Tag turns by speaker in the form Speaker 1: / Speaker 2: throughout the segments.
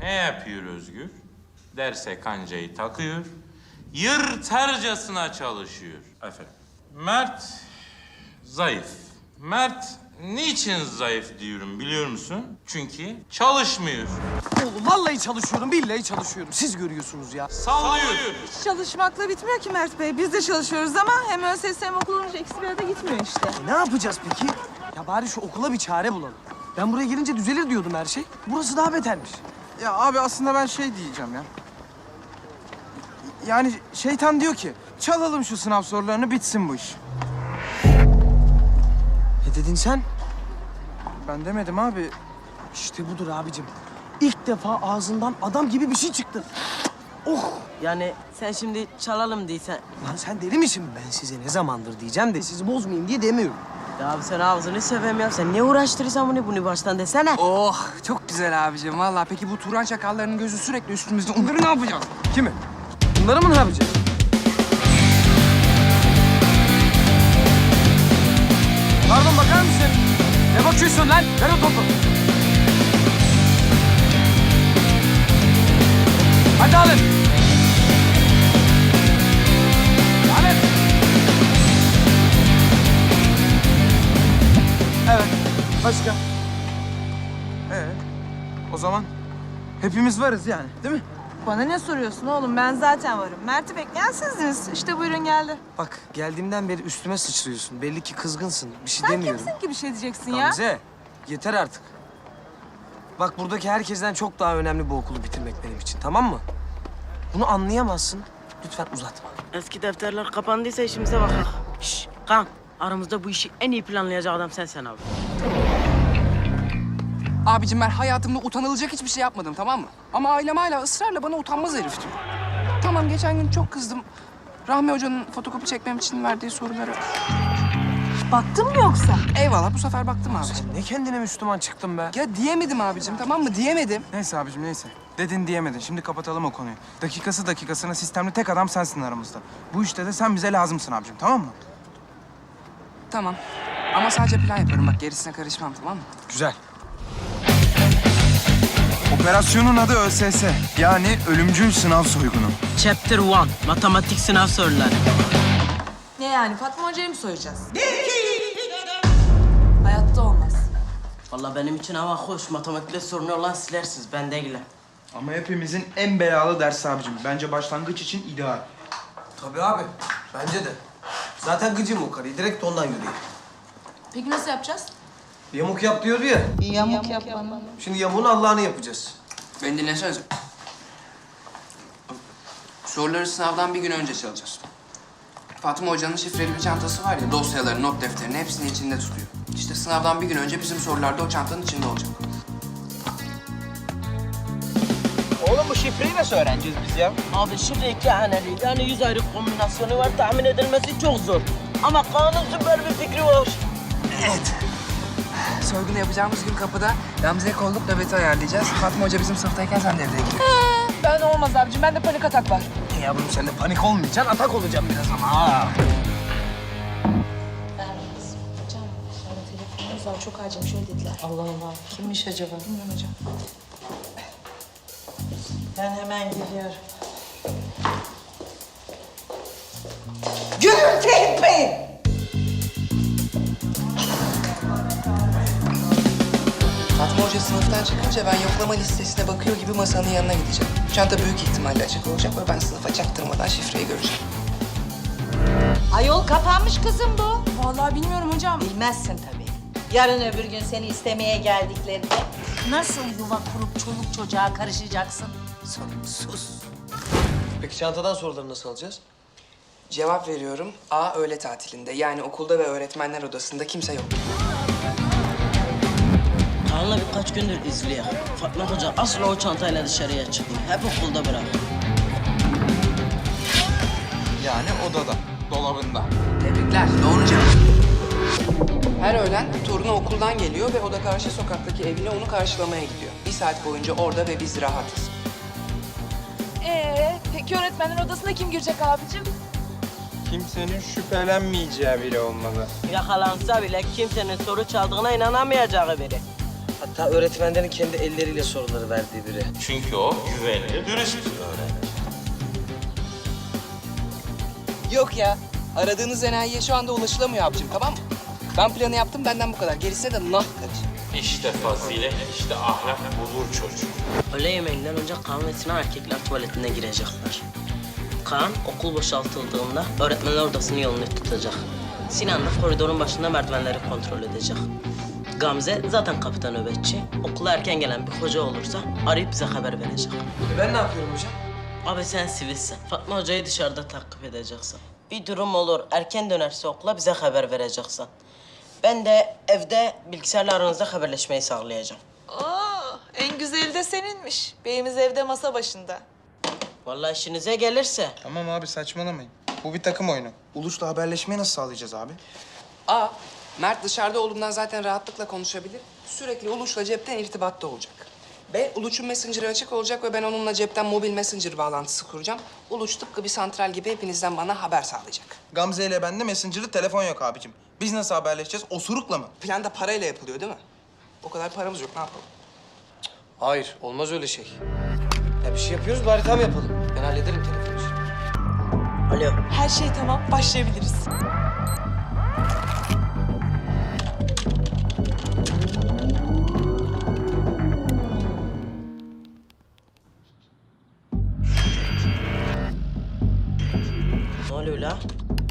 Speaker 1: Ne yapıyor Özgür? Derse kancayı takıyor, yırtarcasına çalışıyor. Aferin. Mert zayıf. Mert niçin zayıf diyorum biliyor musun? Çünkü çalışmıyor.
Speaker 2: Oğlum vallahi çalışıyorum, billahi çalışıyorum. Siz görüyorsunuz ya.
Speaker 1: Sallıyor.
Speaker 3: Hiç çalışmakla bitmiyor ki Mert Bey. Biz de çalışıyoruz ama hem ÖSS hem okul olunca ikisi bir arada gitmiyor işte.
Speaker 2: Ne yapacağız peki? Ya bari şu okula bir çare bulalım. Ben buraya gelince düzelir diyordum her şey. Burası daha betermiş.
Speaker 4: Ya abi aslında ben şey diyeceğim ya. Yani şeytan diyor ki çalalım şu sınav sorularını bitsin bu iş.
Speaker 2: Ne dedin sen?
Speaker 4: Ben demedim abi.
Speaker 2: İşte budur abicim. İlk defa ağzından adam gibi bir şey çıktı. Oh!
Speaker 5: Yani sen şimdi çalalım değilsen...
Speaker 2: Lan sen deli misin? Ben size ne zamandır diyeceğim de sizi bozmayayım diye demiyorum.
Speaker 5: Ya abi sen ağzını seveyim ya. Sen niye uğraştırırsan bunu baştan desene.
Speaker 6: Oh çok güzel abicim vallahi. Peki bu Turan çakallarının gözü sürekli üstümüzde. Onları ne yapacağız?
Speaker 2: Kimi? Bunları mı ne yapacağız? Pardon bakar mısın? Ne bakıyorsun lan? Ver o topu. Hadi alın. Alın.
Speaker 4: Evet. Başka? O zaman hepimiz varız yani değil mi?
Speaker 3: Bana ne soruyorsun oğlum? Ben zaten varım. Mert'i bekleyen sizdiniz. İşte buyurun geldi.
Speaker 2: Bak geldiğimden beri üstüme sıçrıyorsun. Belli ki kızgınsın. Bir şey
Speaker 3: Sen
Speaker 2: demiyorum.
Speaker 3: kimsin ki bir şey diyeceksin ya?
Speaker 2: Gamze, yeter artık. Bak buradaki herkesten çok daha önemli bu okulu bitirmek benim için, tamam mı? Bunu anlayamazsın. Lütfen uzatma.
Speaker 5: Eski defterler kapandıysa işimize bakalım. Şşş kan. Aramızda bu işi en iyi planlayacak adam sensin abi.
Speaker 6: Abicim ben hayatımda utanılacak hiçbir şey yapmadım tamam mı? Ama ailem hala ısrarla bana utanmaz herif diyor. Tamam geçen gün çok kızdım. Rahmi Hoca'nın fotokopi çekmem için verdiği soruları...
Speaker 3: Baktın mı yoksa?
Speaker 6: Eyvallah bu sefer baktım abicim.
Speaker 2: Sen ne kendine Müslüman çıktın be?
Speaker 6: Ya diyemedim abicim tamam mı? Diyemedim.
Speaker 4: Neyse abicim neyse. Dedin diyemedin. Şimdi kapatalım o konuyu. Dakikası dakikasına sistemli tek adam sensin aramızda. Bu işte de sen bize lazımsın abicim tamam mı?
Speaker 6: Tamam. Ama sadece plan yaparım bak gerisine karışmam tamam mı?
Speaker 2: Güzel.
Speaker 4: Operasyonun adı ÖSS. Yani ölümcül sınav soygunu.
Speaker 5: Chapter 1. Matematik sınav soruları.
Speaker 3: Ne yani? Fatma Hoca'yı mı soyacağız? Hayatta olmaz.
Speaker 5: Vallahi benim için hava hoş. Matematikte sorunu olan silersiniz. Ben değilim.
Speaker 4: Ama hepimizin en belalı dersi abicim. Bence başlangıç için ideal.
Speaker 2: Tabii abi, bence de. Zaten gıcım o karıyı, direkt ondan yürüyor.
Speaker 3: Peki nasıl yapacağız?
Speaker 2: Yamuk yap diyordu ya.
Speaker 3: Yamuk yapmam.
Speaker 2: Şimdi yamuğun Allah'ını yapacağız.
Speaker 6: Beni dinlesenize. Soruları sınavdan bir gün önce çalacağız. Fatma Hoca'nın şifreli bir çantası var ya, dosyaları, not defterini hepsini içinde tutuyor. İşte sınavdan bir gün önce bizim sorular da o çantanın içinde olacak.
Speaker 7: Oğlum bu şifreyi nasıl öğreneceğiz biz ya?
Speaker 5: Abi şifre iki haneli. Yani 100 ayrı kombinasyonu var. Tahmin edilmesi çok zor. Ama Kaan'ın süper bir fikri var.
Speaker 6: Soygunu yapacağımız gün kapıda Gamze'ye kolluk nöbeti ayarlayacağız. Fatma Hoca bizim sınıftayken sen devreye gir.
Speaker 3: Ben olmaz abicim. Bende panik atak var.
Speaker 2: Yavrum sen de panik olmayacaksın, atak olacaksın biraz ama. Ha.
Speaker 8: Hocam, sonra telefonunuz var. Çok acil bir şey dediler. Allah Allah. Kimmiş acaba? Bilmiyorum hocam. Ben hemen geliyorum. Gürültü etmeyin!
Speaker 6: Fatma Hoca sınıftan çıkınca ben yoklama listesine bakıyor gibi masanın yanına gideceğim. Çanta büyük ihtimalle açık olacak ve ben sınıfa çaktırmadan şifreyi göreceğim.
Speaker 8: Ayol kapanmış kızım bu.
Speaker 3: Vallahi bilmiyorum hocam.
Speaker 8: Bilmezsin tabii. Yarın öbür gün seni istemeye geldiklerinde nasıl yuva kurup çoluk çocuğa karışacaksın? Sorumsuz.
Speaker 2: Peki çantadan soruları nasıl alacağız?
Speaker 6: Cevap veriyorum. A öğle tatilinde. Yani okulda ve öğretmenler odasında kimse yok.
Speaker 5: Kaan'la birkaç gündür izliyor. Fatma Hoca asla o çantayla dışarıya çıkmıyor. Hep okulda bırak.
Speaker 4: Yani odada, dolabında.
Speaker 6: Tebrikler. Doğru cevap. Her öğlen torunu okuldan geliyor ve o da karşı sokaktaki evine onu karşılamaya gidiyor. Bir saat boyunca orada ve biz rahatız.
Speaker 3: Peki öğretmenler odasına kim girecek abicim?
Speaker 7: Kimsenin şüphelenmeyeceği biri olmalı.
Speaker 5: Yakalansa bile kimsenin soru çaldığına inanamayacağı biri.
Speaker 2: Ta öğretmenlerin kendi elleriyle soruları verdiği biri.
Speaker 1: Çünkü o güvenilir, dürüst bir öğrenci.
Speaker 6: Yok ya. Aradığınız enayiye şu anda ulaşılamıyor abicim, tamam mı? Ben planı yaptım, benden bu kadar. Gerisine de nah karış.
Speaker 1: İşte fazilet, işte ahlak bulur çocuk.
Speaker 5: Öğle yemeğinden önce Kaan ve Sinan erkekler tuvaletine girecekler. Kaan okul boşaltıldığında öğretmenler odasının yolunu tutacak. Sinan da koridorun başında merdivenleri kontrol edecek. Gamze zaten kapıda nöbetçi. Okula erken gelen bir hoca olursa arayıp bize haber verecek.
Speaker 2: Ben ne yapıyorum hocam?
Speaker 5: Abi sen sivilsin. Fatma hocayı dışarıda takip edeceksin. Bir durum olur, erken dönerse okula bize haber vereceksin. Ben de evde bilgisayarla aranızda haberleşmeyi sağlayacağım.
Speaker 3: Oo, en güzeli de seninmiş. Beyimiz evde masa başında.
Speaker 5: Vallahi işinize gelirse.
Speaker 4: Tamam abi saçmalamayın. Bu bir takım oyunu. Uluş'la haberleşmeyi nasıl sağlayacağız abi?
Speaker 6: A. Mert dışarıda olduğundan zaten rahatlıkla konuşabilir. Sürekli Uluç'la cepten irtibatta olacak. B. Uluç'un Messenger'ı açık olacak ve ben onunla cepten mobil Messenger bağlantısı kuracağım. Uluç tıpkı bir santral gibi hepinizden bana haber sağlayacak.
Speaker 4: Gamze ile bende Messenger'ı telefon yok abicim. Biz nasıl haberleşeceğiz? Osurukla mı?
Speaker 6: Plan da parayla yapılıyor değil mi? O kadar paramız yok, ne yapalım?
Speaker 2: Hayır, olmaz öyle şey. Ya bir şey yapıyoruz, bari tam yapalım. Ben hallederim telefonu işini.
Speaker 5: Alo.
Speaker 3: Her şey tamam, başlayabiliriz.
Speaker 5: Ne oluyor la?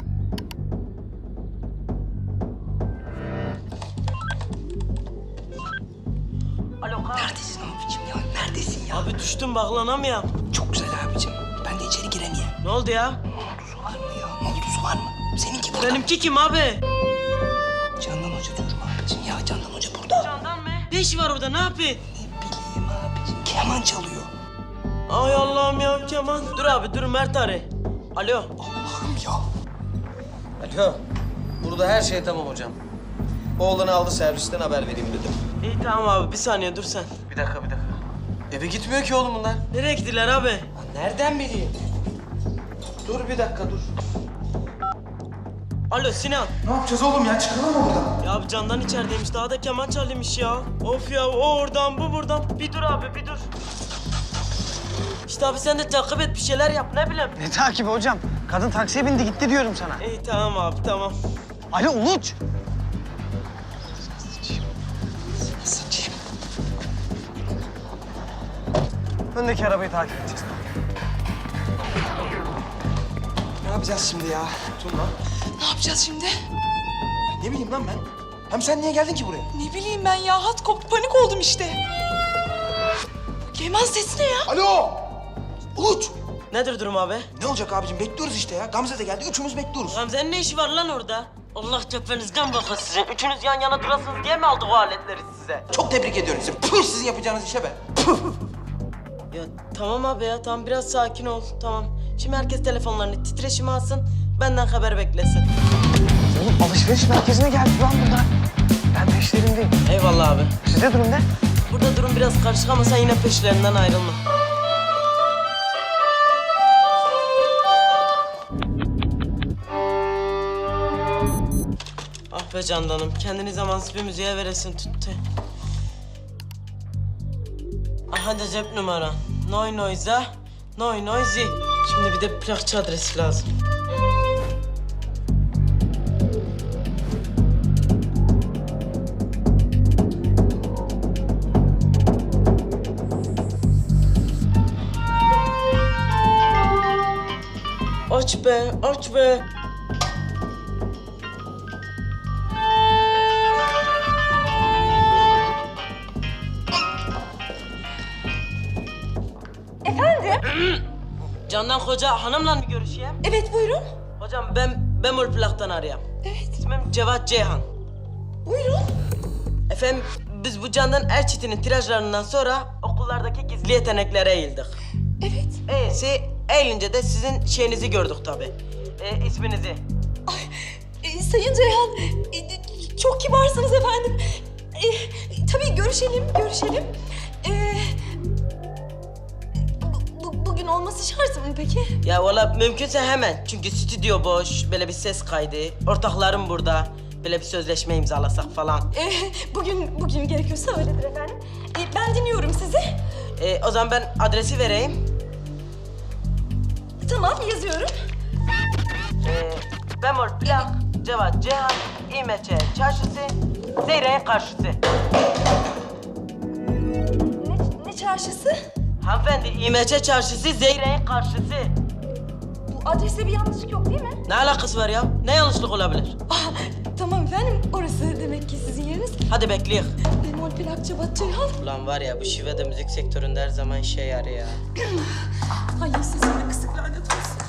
Speaker 5: Alo Kaan.
Speaker 6: Neredesin abicim ya? Neredesin ya?
Speaker 5: Abi düştüm bağlanamıyorum.
Speaker 6: Çok güzel abicim. Ben de içeri giremiyorum.
Speaker 5: Ne oldu ya?
Speaker 6: Noldusu var mı ya? Noldusu var mı? Seninki burada.
Speaker 5: Benimki kim abi?
Speaker 6: Candan Hoca diyorum abicim ya. Candan Hoca burada.
Speaker 5: Candan mı? Ne işi var orada? Ne yapıyor?
Speaker 6: Ne bileyim abicim. Keman çalıyor.
Speaker 5: Ay Allah'ım ya Kemal. Dur abi dur Mert arı. Alo.
Speaker 6: Allah'ım ya.
Speaker 2: Alo, burada her şey tamam hocam. Oğlanı aldı servisten haber vereyim dedim.
Speaker 5: İyi tamam abi bir saniye dur sen.
Speaker 2: Bir dakika. Eve gitmiyor ki oğlum bunlar.
Speaker 5: Nereye gittiler abi?
Speaker 2: Nereden bileyim? Dur bir dakika, dur.
Speaker 5: Alo Sinan.
Speaker 4: Ne yapacağız oğlum ya? Çıkalım mı buradan?
Speaker 5: Ya abi Candan içerideymiş. Daha da keman çalıyormuş ya. Of ya o oradan bu buradan. Bir dur abi bir dur. İşte abi sen de takip et bir şeyler yap ne bileyim.
Speaker 2: Ne takibi hocam? Kadın taksiye bindi gitti diyorum sana.
Speaker 5: İyi tamam abi tamam.
Speaker 2: Alo Uluç.
Speaker 6: Sıçayım.
Speaker 2: Öndeki arabayı takip edeceğiz.
Speaker 4: Ne yapacağız şimdi ya? Dur lan.
Speaker 3: Ne yapacağız şimdi?
Speaker 4: Ne bileyim lan ben? Hem sen niye geldin ki buraya?
Speaker 3: Ne bileyim ben ya, hat koptu, panik oldum işte. Keman sesi ne ya?
Speaker 4: Alo! Uluç!
Speaker 5: Nedir durum abi?
Speaker 4: Ne olacak abicim? Bekliyoruz işte ya. Gamze de geldi. Üçümüz bekliyoruz.
Speaker 5: Gamze'nin ne işi var lan orada? Allah tepinizden bakın sizin. Üçünüz yan yana durasınız diye mi aldık o aletleri size?
Speaker 4: Çok tebrik ediyorum sizi. Püh sizin yapacağınız işe be.
Speaker 5: Ya tamam abi ya tamam biraz sakin ol tamam. Şimdi herkes telefonlarını titreşime alsın. Benden haber beklesin.
Speaker 2: Oğlum alışveriş merkezine geldik lan burada. Ben peşlerindeyim.
Speaker 5: Eyvallah abi.
Speaker 2: Sizde durum ne?
Speaker 5: Burada durum biraz karışık ama sen yine peşlerinden ayrılma. Ah be Candan'ım, kendini zamansız bir müziğe veresin tuttu. Aha da cep numara. Noy noiza, noy noizi. Şimdi bir de plakçı adresi lazım. Aç be, aç be.
Speaker 3: Efendim?
Speaker 5: Candan Hoca hanımla mı görüşeyim?
Speaker 3: Evet, buyurun.
Speaker 5: Hocam ben Bemol Plak'tan arayayım.
Speaker 3: Evet.
Speaker 5: İsmim Cevat Ceyhan.
Speaker 3: Buyurun.
Speaker 5: Efendim biz bu Candan Erçetin'in tirajlarından sonra okullardaki gizli yeteneklere eğildik.
Speaker 3: Evet.
Speaker 5: Eğilince de sizin şeyinizi gördük tabii. İsminizi.
Speaker 3: Sayın Ceyhan, çok kibarsınız efendim. Tabii görüşelim. Bugün olması şart mı peki?
Speaker 5: Ya valla mümkünse hemen. Çünkü stüdyo boş, böyle bir ses kaydı. Ortaklarım burada. Böyle bir sözleşme imzalasak falan.
Speaker 3: Bugün gerekiyorsa öyledir efendim.
Speaker 9: ben dinliyorum sizi.
Speaker 5: O zaman ben adresi vereyim.
Speaker 9: Tamam, yazıyorum.
Speaker 5: Bemol plak, Cevat Cihan, İmeçe Çarşısı, Zeyre'nin karşısı.
Speaker 9: Ne çarşısı?
Speaker 5: Hanımefendi, İmeçe Çarşısı, Zeyre'nin karşısı.
Speaker 9: Bu adreste bir yanlışlık yok değil mi?
Speaker 5: Ne alakası var ya? Ne yanlışlık olabilir?
Speaker 9: Ah, tamam efendim, orası demek ki sizin yeriniz.
Speaker 5: Hadi bekleyin.
Speaker 9: Bemol plak Cevat Ceyhan.
Speaker 5: Ulan var ya, bu şive de müzik sektöründe her zaman işe yarıyor ya.
Speaker 9: Ay sesime kısık lanet olsun.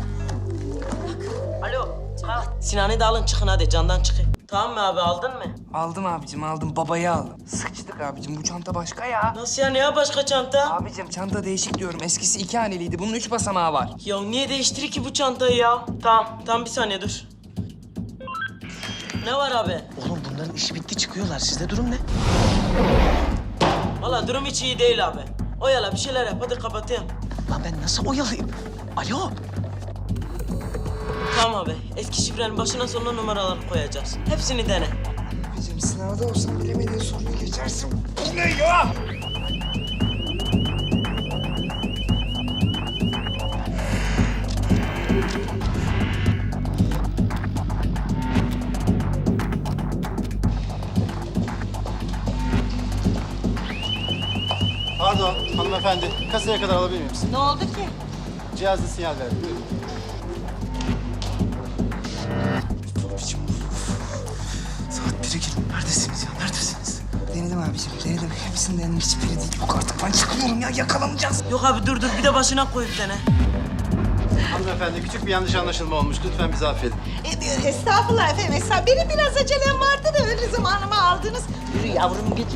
Speaker 5: Alo, kalk. Sinan'ı da alın, çıkın hadi, candan çıkın. Tamam mı abi, aldın mı?
Speaker 6: Aldım abicim, aldım. Babayı aldım. Sıçtık abicim, bu çanta başka ya.
Speaker 5: Nasıl yani ya, başka çanta?
Speaker 6: Abicim çanta değişik diyorum. Eskisi 2 haneliydi. Bunun 3 basamağı var.
Speaker 5: Ya niye değiştirir ki bu çantayı ya? Tamam bir saniye dur. Ne var abi?
Speaker 2: Oğlum bunların işi bitti çıkıyorlar. Sizde durum ne?
Speaker 5: Vallahi durum hiç iyi değil abi. Oyala bir şeyler yap, hadi kapatayım.
Speaker 2: Lan ben nasıl oyalayayım? Alo.
Speaker 5: Tamam abi, eski şifrenin başına sonuna numaraları koyacağız. Hepsini dene.
Speaker 6: Abicim sınavda olsam bilemediğin soruyu geçersin. Bu ne ya?
Speaker 7: Pardon hanımefendi. Kasaya kadar alabilir miyim sizi?
Speaker 8: Ne oldu ki?
Speaker 7: Cihazda sinyal verdi. Buyurun.
Speaker 2: Saat 1'e girdim. Neredesiniz ya? Neredesiniz?
Speaker 6: Denedim abicim, denedim. Hepsini denedim. Hiçbiri değil. Yok artık ben çıkıyorum ya. Yakalanacağız.
Speaker 5: Yok abi dur, bir de başına koyup dene.
Speaker 7: Hanımefendi küçük bir yanlış anlaşılma olmuş. Lütfen bizi affedin.
Speaker 8: Estağfurullah efendim. Benim biraz acelem vardı da öyle zamanımı aldınız. Yürü yavrum git.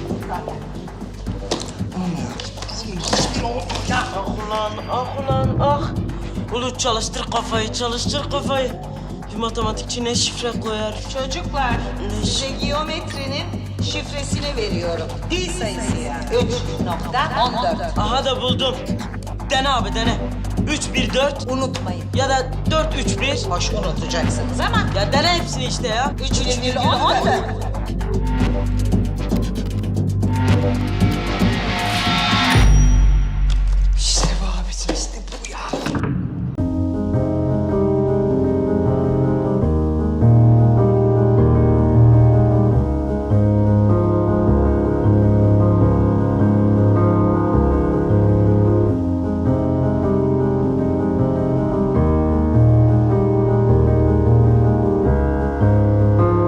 Speaker 5: Ah ulan. Ulu çalıştır kafayı. Bir matematikçi ne şifre koyar?
Speaker 8: Çocuklar,
Speaker 5: Ne
Speaker 8: size geometrinin şifresini veriyorum. Pi sayısı yani. 3.14.
Speaker 5: Aha da buldum. Dene abi dene. 3-1-4
Speaker 8: Unutmayın.
Speaker 5: ya da 4-3-1.
Speaker 8: Hoş unutacaksınız ama
Speaker 5: Ya dene hepsini işte ya.
Speaker 8: 3 virgül 14.